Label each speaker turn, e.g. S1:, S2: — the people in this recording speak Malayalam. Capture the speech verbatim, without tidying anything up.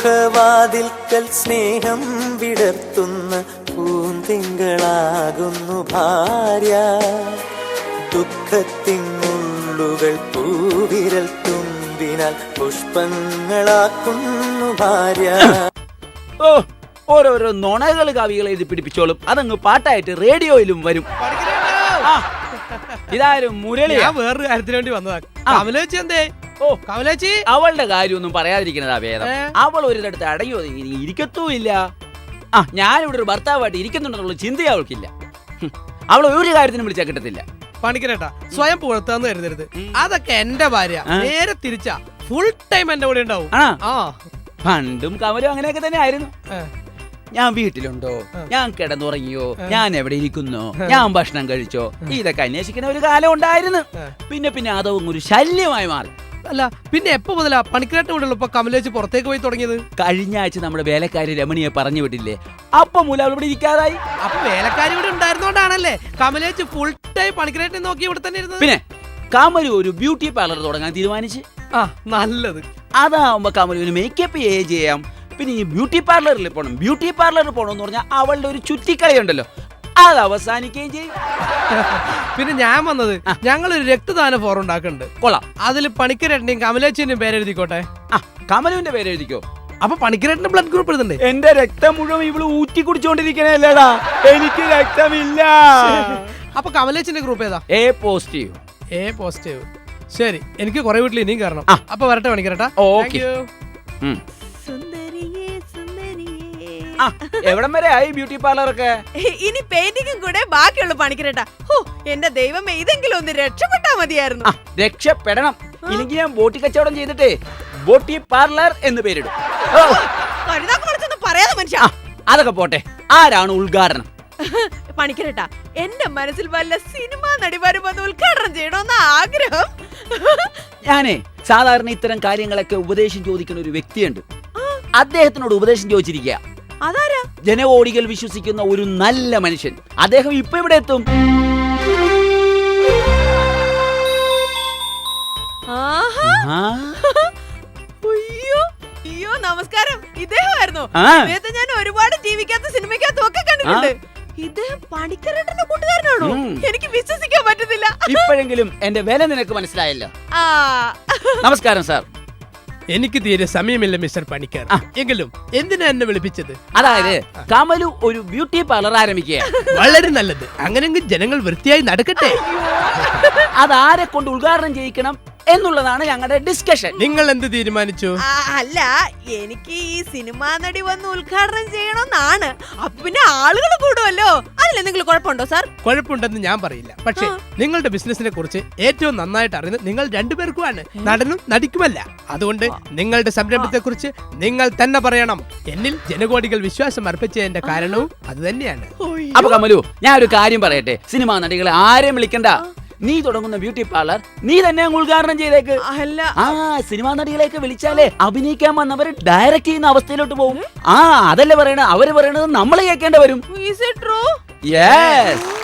S1: മുഖവാതിൽക്കൽ സ്നേഹം വിടർത്തുന്ന പൂന്തിങ്കളാകുന്നു ഭാര്യ. ദുഃഖത്തിനുള്ളുകൾ പൂവിരൽ തുമ്പിനാൽ പുഷ്പങ്ങളാക്കുന്നു ഭാര്യ.
S2: ഓ, ഓരോരോ നുണകൾ കവികൾ എഴുതി പിടിപ്പിച്ചോളും. അതങ്ങ് പാട്ടായിട്ട് റേഡിയോയിലും വരും. ഇതാരും മുരളി.
S3: ഞാൻ വേറൊരു കാര്യത്തിന് വേണ്ടി വന്നതാ. കമലേച്ചി എന്തേ? ഓ കമലേച്ചി,
S2: അവളുടെ കാര്യമൊന്നും പറയാതിരിക്കുന്നതാ ഭേദം. അവൾ ഒരിടത്ത് അടങ്ങി ഒതുങ്ങി ഇരിക്കത്തുമില്ല. ആ, ഞാനിവിടെ ഒരു ഭർത്താവായിട്ട് ഇരിക്കുന്നുണ്ടെന്നുള്ള ചിന്തയെ അവൾക്കില്ല. അവൾ ഒരു കാര്യത്തിനും വിളിച്ചാൽ കിട്ടത്തില്ല.
S3: പണിക്കരേട്ടാ, സ്വയം പുറത്താന്ന് കരുതരുത്. അതൊക്കെ എന്റെ ഭാര്യ. നേരെ തിരിച്ചാ, ഫുൾ ടൈം എന്റെ കൂടെ ഉണ്ടാവും. ആ,
S2: പണ്ടും കമലും അങ്ങനെയൊക്കെ തന്നെ ആയിരുന്നു. ഞാൻ വീട്ടിലുണ്ടോ, ഞാൻ കിടന്നുറങ്ങിയോ, ഞാൻ എവിടെ ഇരിക്കുന്നോ, ഞാൻ ഭക്ഷണം കഴിച്ചോ, ഇതൊക്കെ അന്വേഷിക്കുന്ന ഒരു കാലം ഉണ്ടായിരുന്നു. പിന്നെ പിന്നെ അതൊന്നും ഒരു ശല്യമായി മാറി.
S3: അല്ല, പിന്നെ എപ്പോ മുതലാ പണിക്കരേട്ടൻ കൂടെ ഉള്ളപ്പോ കമലേച്ചി പുറത്തേക്ക് പോയി തുടങ്ങിയത്?
S2: കഴിഞ്ഞ ആഴ്ച നമ്മുടെ വേലക്കാരി രമണിയെ പറഞ്ഞു വിട്ടില്ലേ, അപ്പൊ മൂലം അവൾ ഇവിടെ ഇരിക്കാതായി.
S3: അപ്പൊ വേലക്കാരി ഇവിടെ ഉണ്ടായിരുന്നോണ്ടാണല്ലേ കമലേച്ചി ഫുൾ ടൈം പണിക്കരേട്ടനെ നോക്കി ഇവിടെ തന്നെ ഇരുന്നത്?
S2: പിന്നെ കമലു ഒരു ബ്യൂട്ടി പാർലർ തുടങ്ങാൻ തീരുമാനിച്ച്.
S3: ആ, നല്ലത്.
S2: അതാവുമ്പോ കമലുവിന് മേക്കപ്പ് ചെയ്യാം. പിന്നെ ഈ ബ്യൂട്ടി പാർലറിൽ പോകണം, ബ്യൂട്ടി പാർലറിൽ പോകണമെന്ന് പറഞ്ഞാൽ അവളുടെ ഒരു ചുറ്റിക്കളി ഉണ്ടല്ലോ, അത് അവസാനിക്കുകയും ചെയ്യും.
S3: പിന്നെ ഞാൻ വന്നത്, ഞങ്ങളൊരു രക്തദാന ഫോറം ഉണ്ടാക്കുന്നുണ്ട്.
S2: കൊള്ളാം.
S3: അതിൽ പണിക്കരേട്ടന്റെയും കമലേച്ചിന്റെയും പേരെഴുതിക്കോട്ടെ.
S2: ആ, കമലുവിന്റെ പേര് എഴുതിക്കോ.
S3: അപ്പൊ പണിക്കരേട്ടന്റെ ബ്ലഡ് ഗ്രൂപ്പ് എഴുതണ്ടേ?
S2: എന്റെ രക്തം മുഴുവൻ ഇവള് ഊറ്റി കുടിച്ചോണ്ടിരിക്കണല്ലേടാ, എനിക്ക് രക്തമില്ല.
S3: അപ്പൊ കമലേച്ചിന്റെ ഗ്രൂപ്പ് ഏതാ?
S2: A positive.
S3: A positive. ശരി, എനിക്ക് കുറെ വീട്ടിൽ ഇനിയും കയറണം. അപ്പൊ വരട്ടെ പണിക്കരേട്ടാ.
S2: ഓക്കേ. എവിടം വരെ ആയി ബ്യൂട്ടി പാർലറൊക്കെ?
S4: ഇനി പെയിന്റിങ്ങും കൂടെ ബാക്കിയുള്ള പണിക്കരേട്ടാ. എന്റെ ദൈവമേ, ഇതെങ്കിലും ഒന്ന് രക്ഷപ്പെട്ടാ മതിയായിരുന്നു.
S2: രക്ഷപ്പെടണം. ഇല്ലെങ്കിൽ ഞാൻ ബോട്ടി കച്ചവടം ചെയ്തിട്ടേ ബോട്ടി പാർലർ എന്ന് പേരിടും.
S4: പറയാതെ മനുഷ്യ.
S2: അതൊക്കെ പോട്ടെ, ആരാണ് ഉദ്ഘാടനം?
S4: പണിക്കരേട്ടാ, എന്റെ മനസ്സിൽ വല്ല സിനിമ നടി വരുമ്പോൾ ഉദ്ഘാടനം ചെയ്യണമെന്ന ആഗ്രഹം.
S2: ഞാനേ സാധാരണ ഇത്തരം കാര്യങ്ങളൊക്കെ ഉപദേശം ചോദിക്കുന്ന ഒരു വ്യക്തിയുണ്ട്. അദ്ദേഹത്തിനോട് ഉപദേശം ചോദിച്ചിരിക്കുക.
S4: അതാരാ?
S2: ജനകോടികൾ വിശ്വസിക്കുന്ന ഒരു നല്ല മനുഷ്യൻ. അദ്ദേഹം ഇപ്പൊ ഇവിടെ എത്തും.
S4: അയ്യോ, നമസ്കാരം. ഇദ്ദേഹമായിരുന്നു. ഞാൻ ഒരുപാട് ടിവിക്കകത്ത് സിനിമയ്ക്കകത്തും ഒക്കെ കണ്ടിട്ടുണ്ട്. ഇദ്ദേഹം പണിക്കരേട്ടന്റെ കൂട്ടുകാരനാണോ? എനിക്ക് വിശ്വസിക്കാൻ പറ്റുന്നില്ല.
S2: ഇപ്പോഴെങ്കിലും എന്റെ വില നിനക്ക് മനസ്സിലായല്ലോ. നമസ്കാരം സാർ.
S3: എനിക്ക് തീരെ സമയമില്ല മിസ്റ്റർ പണിക്കർ. എങ്കിലും എന്തിനാ എന്നെ വിളിപ്പിച്ചത്?
S2: അതായത് കമലു ഒരു ബ്യൂട്ടി പാർലർ ആരംഭിക്കുക.
S3: വളരെ നല്ലത്. അങ്ങനെയെങ്കിൽ ജനങ്ങൾ വൃത്തിയായി നടക്കട്ടെ.
S2: അതാരെ കൊണ്ട് ഉദ്ഘാടനം ചെയ്യിക്കണം എന്നുള്ളതാണ് ഞങ്ങളുടെ ഡിസ്കഷൻ.
S3: നിങ്ങൾ എന്ത് തീരുമാനിച്ചു?
S4: അല്ല, എനിക്ക് ഈ സിനിമാ നടി വന്ന് ഉദ്ഘാടനം ചെയ്യണമെന്നാണ്. അപ്പൊ പിന്നെ ആളുകൾ കൂടുമല്ലോ. അതിലെന്തെങ്കിലും കുഴപ്പമുണ്ടോ സാർ?
S3: കുഴപ്പമുണ്ടെന്ന് ഞാൻ പറയില്ല. പക്ഷേ നിങ്ങളുടെ ബിസിനസിനെ കുറിച്ച് ഏറ്റവും നന്നായിട്ട് അറിയുന്നത് നിങ്ങൾ രണ്ടുപേർക്കുമാണ്, നടനും നടിക്കുമല്ല. അതുകൊണ്ട് നിങ്ങളുടെ സംരംഭത്തെ കുറിച്ച് നിങ്ങൾ തന്നെ പറയണം. എന്നിൽ ജനകോടികൾ വിശ്വാസം അർപ്പിച്ചതിന്റെ കാരണവും അത് തന്നെയാണ്.
S2: അപ്പൊ കമലു, ഞാൻ ഒരു കാര്യം പറയട്ടെ. സിനിമാ നടികളെ ആരെയും വിളിക്കണ്ട. നീ തുടങ്ങുന്ന ബ്യൂട്ടി പാർലർ നീ തന്നെ ഉദ്ഘാടനം ചെയ്തേക്ക്. ആ, സിനിമാ നടികളെയൊക്കെ വിളിച്ചാലേ അഭിനയിക്കാൻ വന്നവർ ഡയറക്റ്റ് ചെയ്യുന്ന അവസ്ഥയിലോട്ട് പോകും. ആ, അതല്ലേ പറയണത്. അവര് പറയണത് നമ്മൾ കേൾക്കേണ്ടി വരും.
S4: Is it true?
S2: Yes.